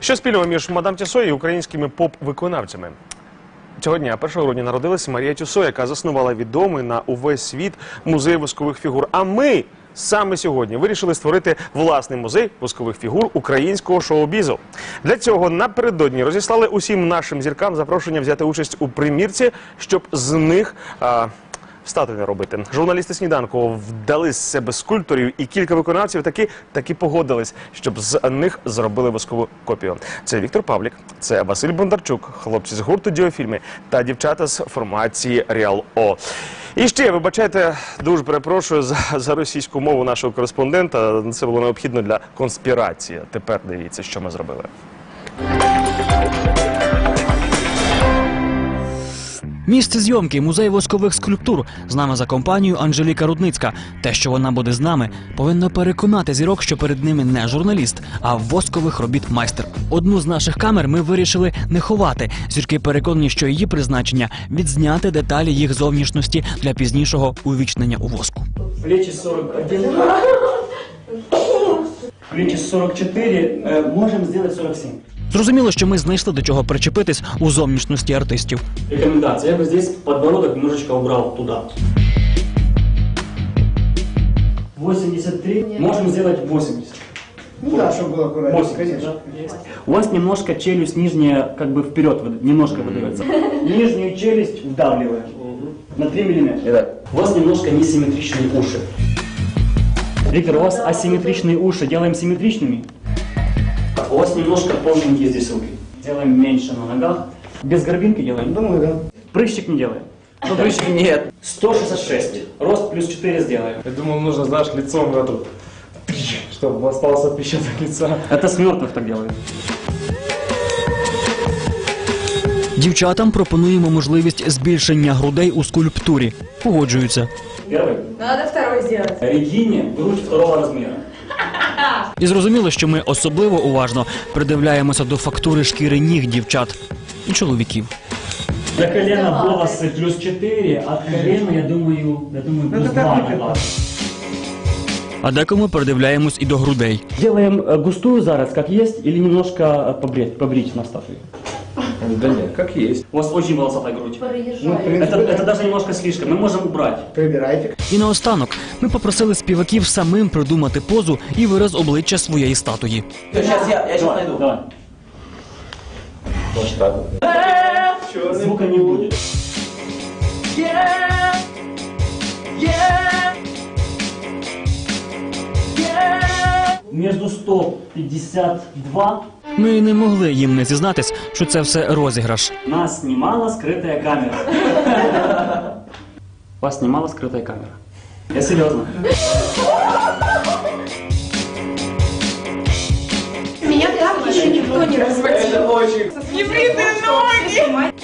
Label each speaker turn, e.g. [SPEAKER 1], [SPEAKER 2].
[SPEAKER 1] Що спільного між мадам Тюссо і українськими поп-виконавцями? Цього дня, 1 грудня, народилася Марія Тюссо, яка заснувала відомий на увесь світ музей воскових фігур. А ми саме сьогодні вирішили створити власний музей воскових фігур українського шоу-бізу. Для цього напередодні розіслали усім нашим зіркам запрошення взяти участь у примірці, щоб з них статуї робити. Журналісти «Сніданку» вдали з себе скульпторів, і кілька виконавців таки погодились, щоб з них зробили воскову копію. Це Віктор Павлік, це Василь Бондарчук, хлопці з гурту «Діофільми» та дівчата з формації «Реал О». І ще, вибачайте, дуже перепрошую за російську мову нашого кореспондента. Це було необхідно для конспірації. Тепер дивіться, що ми зробили.
[SPEAKER 2] Місце зйомки – музей воскових скульптур. З нами за компанією Анжеліка Рудницька. Те, що вона буде з нами, повинно переконати зірок, що перед ними не журналіст, а воскових робіт майстер. Одну з наших камер ми вирішили не ховати. Зірки переконані, що її призначення – відзняти деталі їх зовнішності для пізнішого увічнення у воску.
[SPEAKER 3] Плечи 41, плечи 44, можем сделать 47.
[SPEAKER 2] Зрозуміло, що ми знайшли до чого причепитись у зовнішності артистів.
[SPEAKER 3] Рекомендация. Я бы здесь подбородок немножечко убрал туда. 83. Можем сделать 80.
[SPEAKER 4] Ну да, чтобы было аккуратно.
[SPEAKER 3] 80,
[SPEAKER 4] конечно.
[SPEAKER 3] да? У вас немножко челюсть нижняя как бы вперед, немножко выдается. Нижнюю челюсть вдавливаем на 3 мм. У вас немножко несимметричные уши. Виктор, у вас асимметричные уши. Делаем симметричными. У вас немножко полненькие здесь руки. Делаем меньше на ногах. Без горбинки делаем?
[SPEAKER 4] Думаю, да.
[SPEAKER 3] Прыщик не делаем. Ну, прыщик нет. 166. Рост плюс 4 сделаем.
[SPEAKER 5] Я думал, нужно, знаешь, лицом в эту, чтобы остался отпечаток лица.
[SPEAKER 3] Это с мертвых так делают.
[SPEAKER 2] Дівчатам пропонуємо можливість збільшення грудей у скульптурі. Погоджуються.
[SPEAKER 3] Первый.
[SPEAKER 6] Надо второй сделать.
[SPEAKER 3] Регине грудь второго размера.
[SPEAKER 2] І зрозуміло, що ми особливо уважно придивляємося до фактури шкіри ніг дівчат і чоловіків.
[SPEAKER 3] До колена волосы плюс 4, от колена, я думаю плюс 2.
[SPEAKER 2] А декому придивляємось і до грудей.
[SPEAKER 3] Делаем густую зараз, как есть, или немножко побрить на статуе?
[SPEAKER 5] Да нет, как есть.
[SPEAKER 3] У вас очень волосатая грудь.
[SPEAKER 4] Ну, в принципе,
[SPEAKER 3] Это даже немножко слишком, мы можем убрать.
[SPEAKER 4] Прибирайте.
[SPEAKER 2] І наостанок ми попросили співаків самим придумати позу і вираз обличчя своєї статуї.
[SPEAKER 7] Сейчас я сейчас найду.
[SPEAKER 3] Давай.
[SPEAKER 5] Вот так.
[SPEAKER 3] Звука не будет. Между 152
[SPEAKER 2] Ми не могли їм не зізнатись, що це все розіграш.
[SPEAKER 3] нас снимала скрытая камера. Вас снимала скрытая камера. Я серьезно.
[SPEAKER 6] Меня так еще никто не разводил.
[SPEAKER 5] Это очень...
[SPEAKER 6] Небритые ноги!